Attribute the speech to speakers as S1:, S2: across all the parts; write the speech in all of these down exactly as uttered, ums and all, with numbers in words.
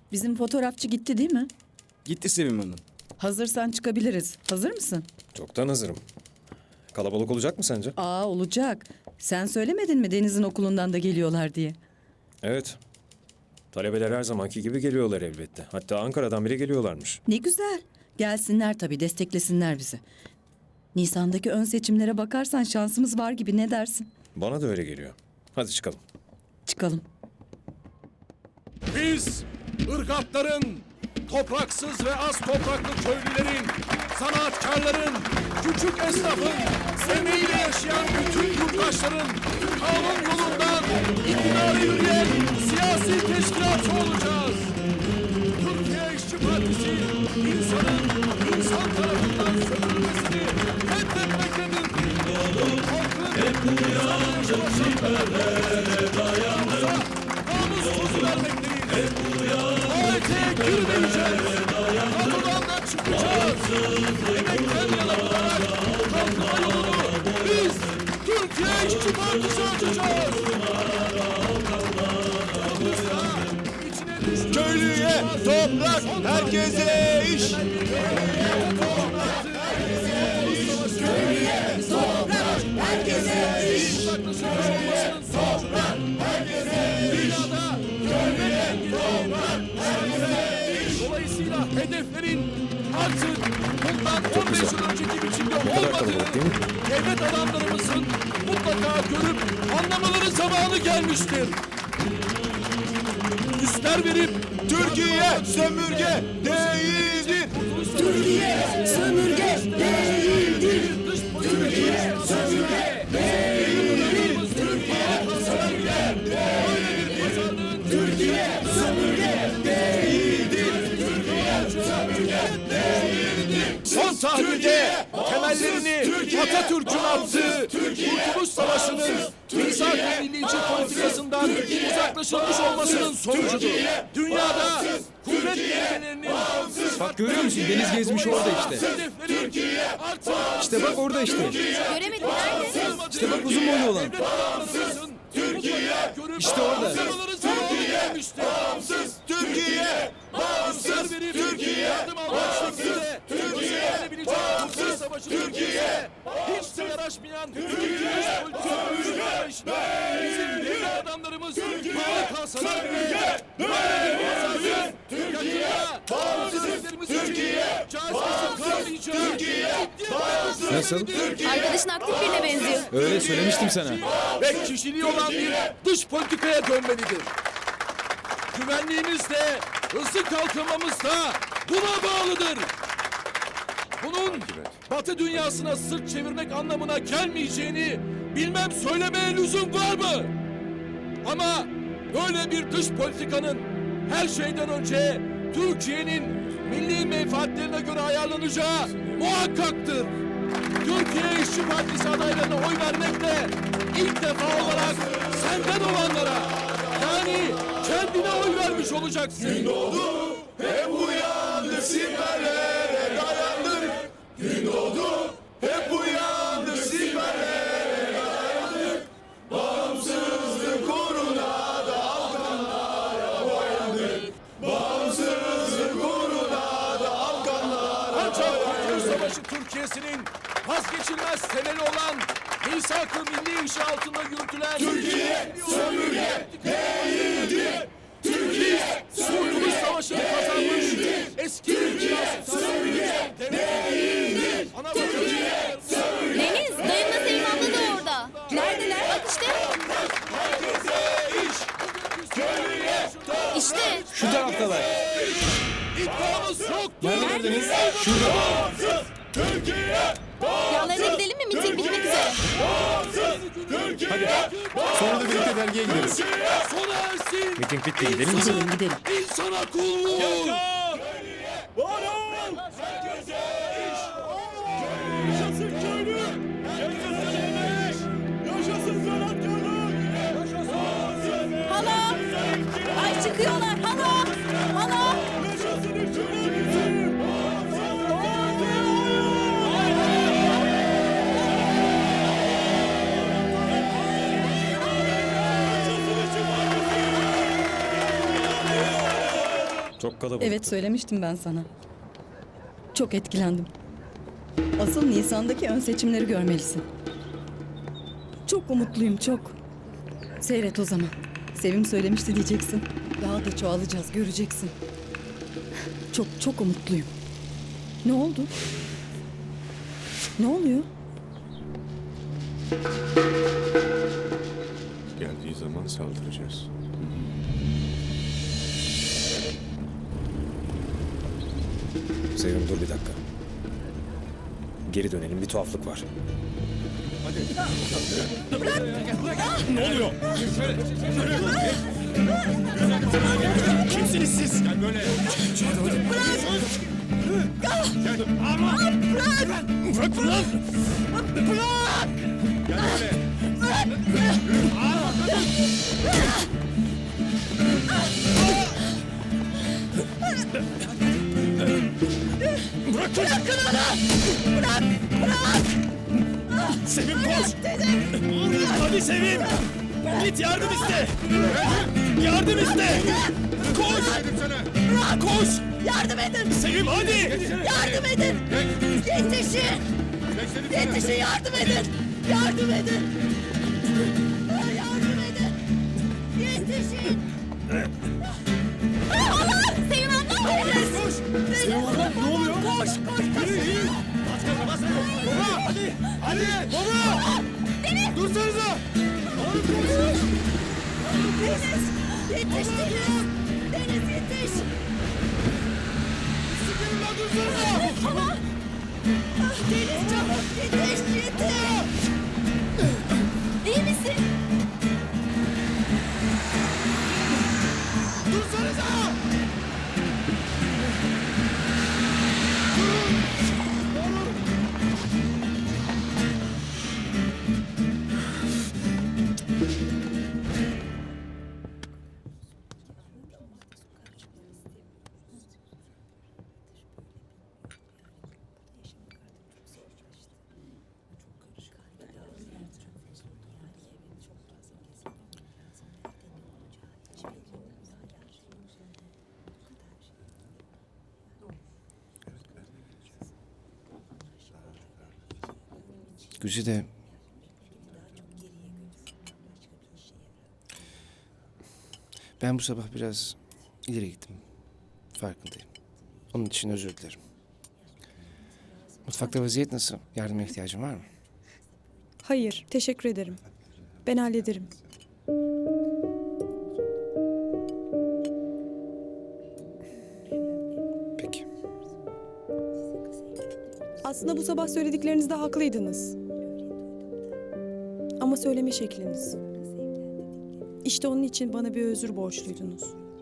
S1: Bizim fotoğrafçı gitti değil mi?
S2: Gitti Sevim Hanım.
S1: Hazırsan çıkabiliriz. Hazır mısın?
S3: Çoktan hazırım. Kalabalık olacak mı sence?
S1: Aa olacak. Sen söylemedin mi Deniz'in okulundan da geliyorlar diye?
S3: Evet. Talebeler her zamanki gibi geliyorlar elbette. Hatta Ankara'dan bile geliyorlarmış.
S1: Ne güzel. Gelsinler tabii, desteklesinler bizi. Nisan'daki ön seçimlere bakarsan şansımız var gibi, ne dersin?
S3: Bana da öyle geliyor. Hadi çıkalım.
S1: Çıkalım.
S4: Biz ırgatların, topraksız ve az topraklı köylülerin, sanatkarların, küçük esnafın, emeğiyle yaşayan bütün yurttaşların kanun yolundan iktidara yürüyen siyasi teşkilatçı olacağız. Türkiye İşçi Partisi insanın insan tarafından sömürülmesini reddetmektedir. Halkın insana yaşamasını dayanmasa namus vermektedir. Tuvalete girmeyeceğiz. Kadrodan da çıkacağız. Emekten yana olarak kalkınma yolunu biz Türkiye İşçi Partisi açacağız.
S2: Köylüye toprak, herkese iş.
S4: Dolayısıyla hedeflerin artık bundan on beş yıl önceki biçimde olmadığını devlet adamlarımızın mutlaka görüp anlamaları zamanı gelmiştir. Üstler verip
S2: Türkiye sömürge değildir.
S4: Türkiye sömürge değildir. Türkiye sömürge değildir. Türkiye sömürge değildir. Son tahlilde temellerini Atatürk'ün attığı Kurtuluş Savaşı'nın misak-ı millici politikasından uzaklaşılmış olmasının sonucudur. Dünyada kuvvet dengelerinin
S5: Bak görüyor musun? Deniz gezmiş orada işte. İşte bak orada işte.
S6: Göremedim, nerede?
S5: İşte bak uzun boylu olan. İşte orada.
S4: Bağımsız Türkiye! Bağımsız Türkiye! Türkiye! Türkiye! Bağımsız Türkiye! Hiç de yaraşmayan Türkiye! Bizim devlet adamlarımız bağlı kalsalar bile böyle bir mesajı Türkiye! Bağımsız Türkiye! Cazibesi kalmayacağı Türkiye!
S5: Nasıl?
S6: Arkadaşın aktif birine benziyor.
S5: Öyle söylemiştim sana.
S4: Ve kişiliği olan bir dış politikaya dönmelidir. Güvenliğimiz de, hızlı kalkınmamız da buna bağlıdır. Bunun Batı dünyasına sırt çevirmek anlamına gelmeyeceğini bilmem söylemeye lüzum var mı? Ama böyle bir dış politikanın her şeyden önce Türkiye'nin milli menfaatlerine göre ayarlanacağı muhakkaktır. Türkiye İşçi Partisi adaylarına oy vermekle ilk defa olarak senden olanlara, yani kendine oy vermiş olacaksın.
S2: Gün doğdu, hep uyandık, siperlere dayandık. Gün doğdu, hep uyandık, siperlere dayandık. Bağımsızlık uğruna da Afganlara boyandık. Bağımsızlık uğruna da Afganlara
S4: Ancak Kurtuluş Savaşı Türkiye'sinin vazgeçilmez temeli olan misak-ı milli işi altında yürütülen
S2: Türkiye sömürge değildir. Türkiye
S4: Kurtuluş Savaşı'nı kazanmış eski Türkiye sömürge değildir. Ana vatanı
S6: Deniz, dayımla Sevim abla da orada. Neredeler? Bak işte. İşte.
S5: Şu taraftalar.
S4: iddiamız yok.
S5: Neredesiniz? Şurada.
S2: Türkiye
S6: Yanlarına gidelim mi? Miting bitmek üzere.
S5: Sonra da birlikte dergiye gideriz.
S4: Sona ersin.
S3: Miting bitti, gidelim mi?
S1: Gidelim gidelim.
S4: İnsana kulluk.
S2: varın. Herkese iş. Yaşasın köylü. Yaşasın emek. Yaşasın sanatkarlar. Yaşasın.
S6: Hala. Ay çıkıyorlar. Hala. Hala.
S2: Yaşasın işçi partisi.
S3: Çok kalabalık.
S1: Evet söylemiştim ben sana. Çok etkilendim. Asıl Nisan'daki ön seçimleri görmelisin. Çok umutluyum çok. Seyret o zaman. Sevim söylemişti diyeceksin. Daha da çoğalacağız göreceksin. Çok çok umutluyum. Ne oldu? Ne oluyor?
S2: Geldiği zaman saldıracağız.
S3: Sevim dur bir dakika. Geri dönelim, bir tuhaflık var.
S2: Kimsiniz siz? Gel böyle. Bırak! Gel. Ama bırak! Bırak lan! Bırak! Gel böyle. Bırak! Bırakın onu! Bırak! Bırak! Sevim koş! Hadi Sevim! Git yardım iste! Yardım iste! Koş! Bırak! Koş! Yardım edin! Sevim hadi! Yardım edin! Yetişin! Yetişin yardım edin! Yardım edin! Yardım edin! Yetişin!
S6: Allah! Sevim abla!
S2: Koş! Sevim abla ne oluyor? Koş! Koş! Yürü yürü! Bas gaza bas! Baba! Hadi! Hadi! Baba! Deniz! Dursanıza!
S6: Deniz! Yetiş Deniz! Deniz yetiş!
S2: Sıkırın lan dursanıza!
S6: Tamam! Ah, Deniz çabuk yetiş yetiş! İyi misin?
S2: Dursanıza!
S5: Güzide... Ben bu sabah biraz ileri gittim. Farkındayım. Onun için özür dilerim. Mutfakta vaziyet nasıl? Yardıma ihtiyacın var mı?
S7: Hayır, teşekkür ederim. Ben hallederim.
S5: Peki.
S7: Aslında bu sabah söylediklerinizde haklıydınız. Ama söyleme şekliniz. İşte onun için bana bir özür borçluydunuz.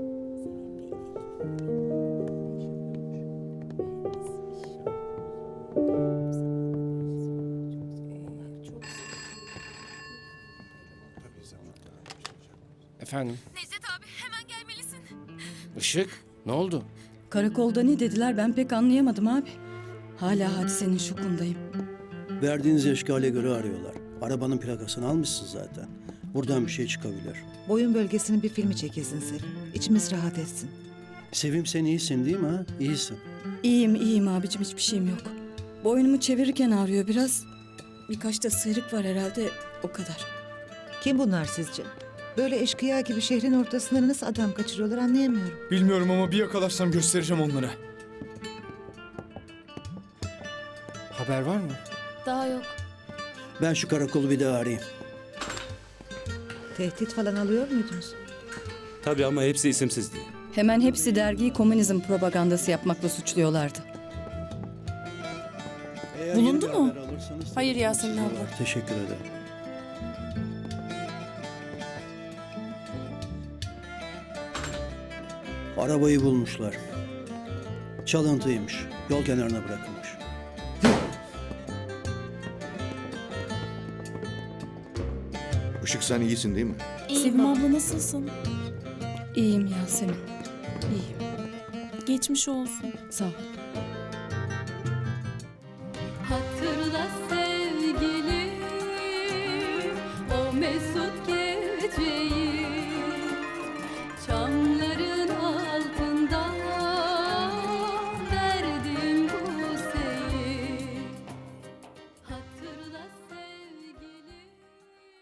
S5: Efendim?
S6: Necdet abi hemen gelmelisin.
S5: Işık? Ne oldu?
S1: Karakolda ne dediler ben pek anlayamadım abi. Hala hadisenin şokundayım.
S8: Verdiğiniz eşkale göre arıyorlar. Arabanın plakasını almışsın zaten. Buradan bir şey çıkabilir.
S9: Boyun bölgesinin bir filmi çekilsin Sevim. İçimiz rahat etsin.
S8: Sevim sen iyisin değil mi ha? İyisin.
S1: İyiyim iyiyim abicim hiçbir şeyim yok. Boynumu çevirirken ağrıyor biraz. Birkaç da sıyrık var herhalde o kadar.
S9: Kim bunlar sizce? Böyle eşkıya gibi şehrin ortasında nasıl adam kaçırıyorlar anlayamıyorum.
S5: Bilmiyorum ama bir yakalarsam göstereceğim onlara. Haber var mı?
S6: Daha yok.
S8: Ben şu karakolu bir daha arayayım.
S9: Tehdit falan alıyor muydunuz?
S10: Tabii ama hepsi isimsizdi.
S1: Hemen hepsi dergiyi komünizm propagandası yapmakla suçluyorlardı.
S8: Eğer
S7: Bulundu
S8: yeni bir
S7: mu?
S8: haber alırsanız-
S7: Hayır Yasemin abla.
S8: Teşekkür ederim. Arabayı bulmuşlar. Çalıntıymış. Yol kenarına bırakılmış.
S2: Işık sen iyisin değil mi?
S7: Sevim abla nasılsın?
S1: İyiyim Yasemin. İyiyim.
S7: Geçmiş olsun.
S1: Sağ ol.